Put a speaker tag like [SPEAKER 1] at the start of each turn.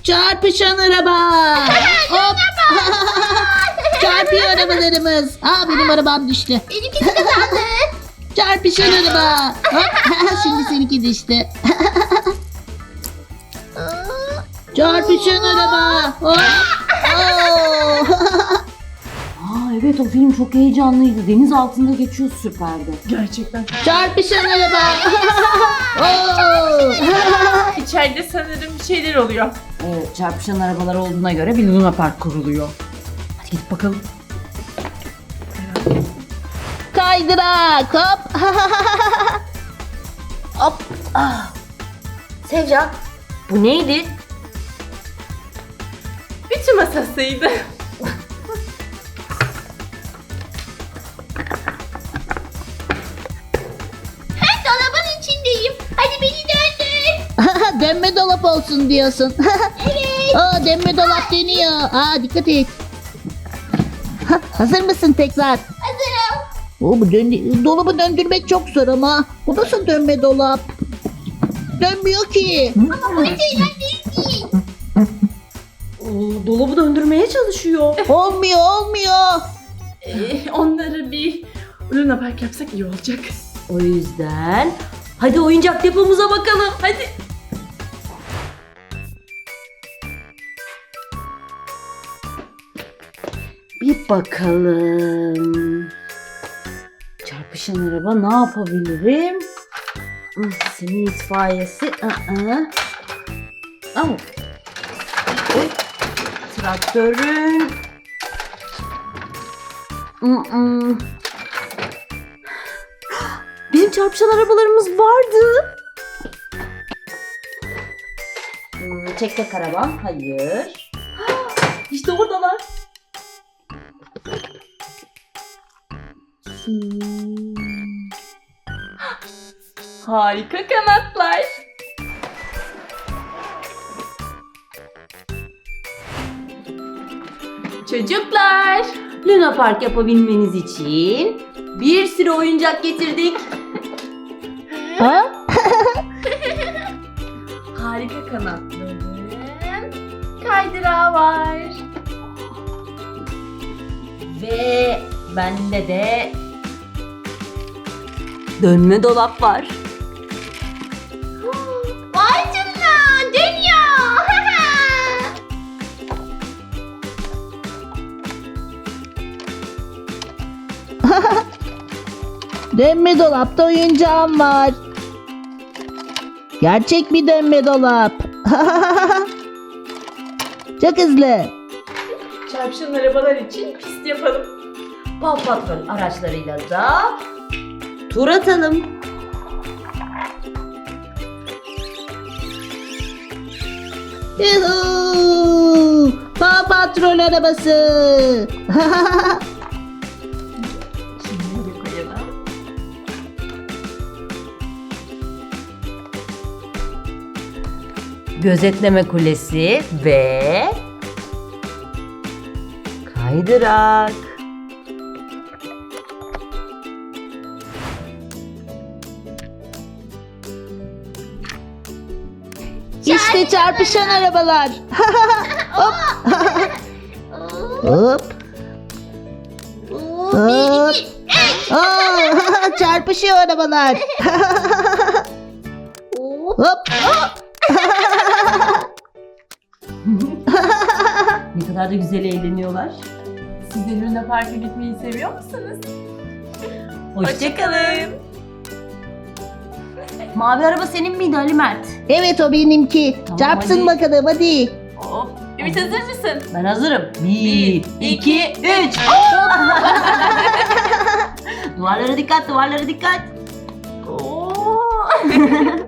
[SPEAKER 1] Çarpışan araba. Hop. Çarpıyor arabalarımız. Benim arabam düştü.
[SPEAKER 2] Benimki de kazandı.
[SPEAKER 1] Çarpışan araba. Hop. Şimdi seninki düştü. Çarpışan araba. Hop. Oo.
[SPEAKER 3] Evet, o film çok heyecanlıydı. Deniz altında geçiyor, süperdi.
[SPEAKER 4] Gerçekten.
[SPEAKER 1] Çarpışan araba. Oo.
[SPEAKER 4] İçeride sanırım bir şeyler oluyor.
[SPEAKER 3] Evet, çarpışan arabalar olduğuna göre bir Luna Park kuruluyor. Hadi gidip bakalım.
[SPEAKER 1] Kaydırak. Hop.
[SPEAKER 3] Hop. Sevcan, bu neydi?
[SPEAKER 4] Ütü masasıydı.
[SPEAKER 2] Ben dolabın içindeyim. Hadi beni döndür.
[SPEAKER 1] Dönme dolap olsun diyorsun.
[SPEAKER 2] Evet.
[SPEAKER 1] Dönme dolap dönüyor. Dikkat et. Hazır mısın tekrar?
[SPEAKER 2] Hazırım.
[SPEAKER 1] Bu dolabı döndürmek çok zor ama. Bu nasıl dönme dolap? Dönmüyor ki.
[SPEAKER 2] Ama bu hiç eğlenceli değil.
[SPEAKER 3] Dolabı döndürmeye çalışıyor.
[SPEAKER 1] Olmuyor.
[SPEAKER 4] Onları bir Luna Park yapsak iyi olacak.
[SPEAKER 3] O yüzden hadi oyuncak depomuza bakalım. Hadi. Bir bakalım. Çarpışan araba ne yapabilirim? Senin itfaiyesi. Oy. Traktörün. Bizim çarpışan arabalarımız vardı. Tek tek araba. Hayır. İşte oradalar.
[SPEAKER 4] Harika kanatlar. Çocuklar.
[SPEAKER 3] Luna Park yapabilmeniz için bir sürü oyuncak getirdik.
[SPEAKER 4] Harika kanatların kaydırağı var.
[SPEAKER 3] Ve bende de dönme dolap var.
[SPEAKER 2] Vay canına. Dönüyor.
[SPEAKER 1] Dönme dolapta oyuncağım var. Gerçek bir dönme dolap. Çok hızlı.
[SPEAKER 4] Çarpışan arabalar için pist yapalım.
[SPEAKER 3] Paw Patrol araçlarıyla da tur atalım.
[SPEAKER 1] Yuhuu! Paw Patrol arabası.
[SPEAKER 4] Şimdi de koyalım.
[SPEAKER 3] Gözetleme kulesi ve kaydırak.
[SPEAKER 1] İşte çarpışan arabalar. Hop. Hop. Hop. Çarpışıyor arabalar. Hop.
[SPEAKER 3] Ne kadar da güzel eğleniyorlar.
[SPEAKER 4] Siz de Luna Park'a gitmeyi seviyor musunuz?
[SPEAKER 3] Hoşçakalın. Mavi araba senin miydi Ali Mert?
[SPEAKER 1] Evet, o benimki.
[SPEAKER 3] Tamam,
[SPEAKER 1] Çarpsın
[SPEAKER 3] hadi.
[SPEAKER 1] bakalım hadi.
[SPEAKER 4] Hop. Ümit hazır mısın?
[SPEAKER 3] Ben hazırım. 1, 2, 3. Duvarlara dikkat, duvarlara dikkat.
[SPEAKER 4] Oo.